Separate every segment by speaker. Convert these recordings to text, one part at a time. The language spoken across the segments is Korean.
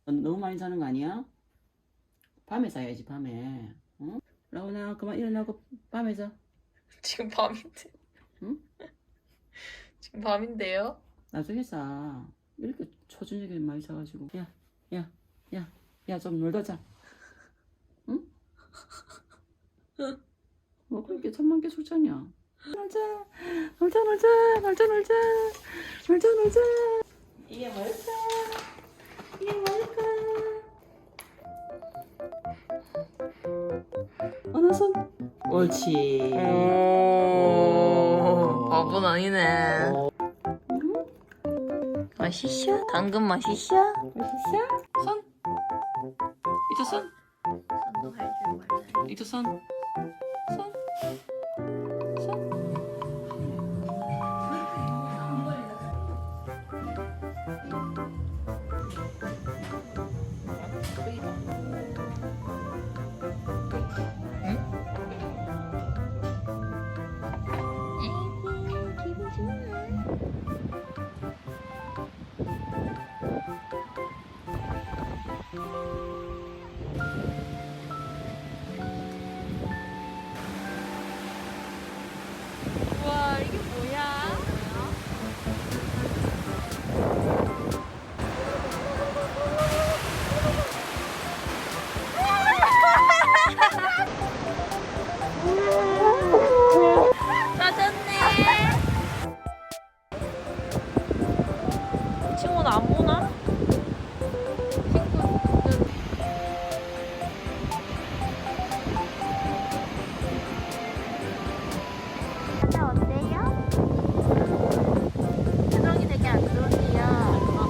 Speaker 1: 너무 많이 자는 거 아니야? 밤에 자야지 밤에. 응? 라온아 그만 일어나고 밤에 자.
Speaker 2: 지금 밤인데.
Speaker 1: 응?
Speaker 2: 지금 밤인데요?
Speaker 1: 나중에 자. 이렇게 초저녁에 많이 자가지고. 야 좀 놀다 자. 응? 뭐 그렇게 천만 개 술자냐? 놀자. 이게 뭘까? 이게 뭘까? 어느 손? 옳지.
Speaker 2: 오, 밥은 아니네.
Speaker 1: 응?
Speaker 2: 맛있어? 당근 맛있어?
Speaker 1: 맛있어? 손? 이쪽 손?
Speaker 2: 손도 할줄 몰라.
Speaker 1: 이쪽 손? 손? 손?
Speaker 2: 기분 좋아. 우와, 이게 뭐야? 짜졌네. 친구는 안 보나? 친구 어때요? 표정이 되게 안 좋으세요.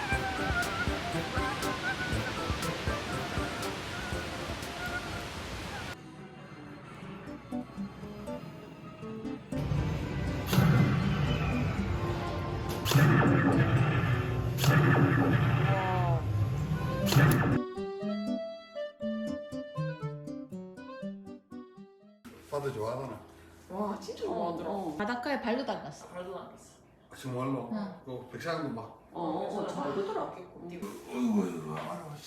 Speaker 3: 바다 좋아하나?
Speaker 4: 와 진짜 좋아하더라. 바닷가에 발도 닦았어.
Speaker 2: 말도 안 했어.
Speaker 3: 정말로?
Speaker 4: 응.
Speaker 3: 그 백사장도 막
Speaker 4: 잘 되더라.
Speaker 3: 어이구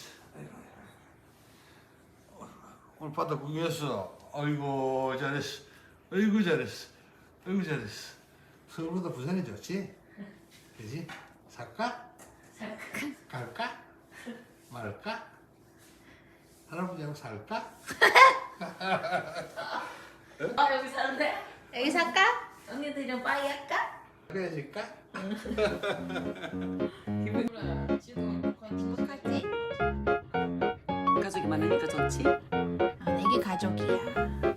Speaker 3: 오늘 바다 구경했어. 아이고 잘했어. 아이고 잘했어. 아이고 잘했어. 서울보다 부산이 좋지? 그지? 살까? 갈까? 말까? 할아버지하고 살까?
Speaker 2: 아, 여기 사는데?
Speaker 4: 여기 살까?
Speaker 2: 언니들이랑 빠이 할까?
Speaker 3: 그래야지까?
Speaker 2: 기분 그래. 지도
Speaker 4: 행복하지?
Speaker 1: 가족이 많으니까 좋지?
Speaker 4: 아, 내게 가족이야.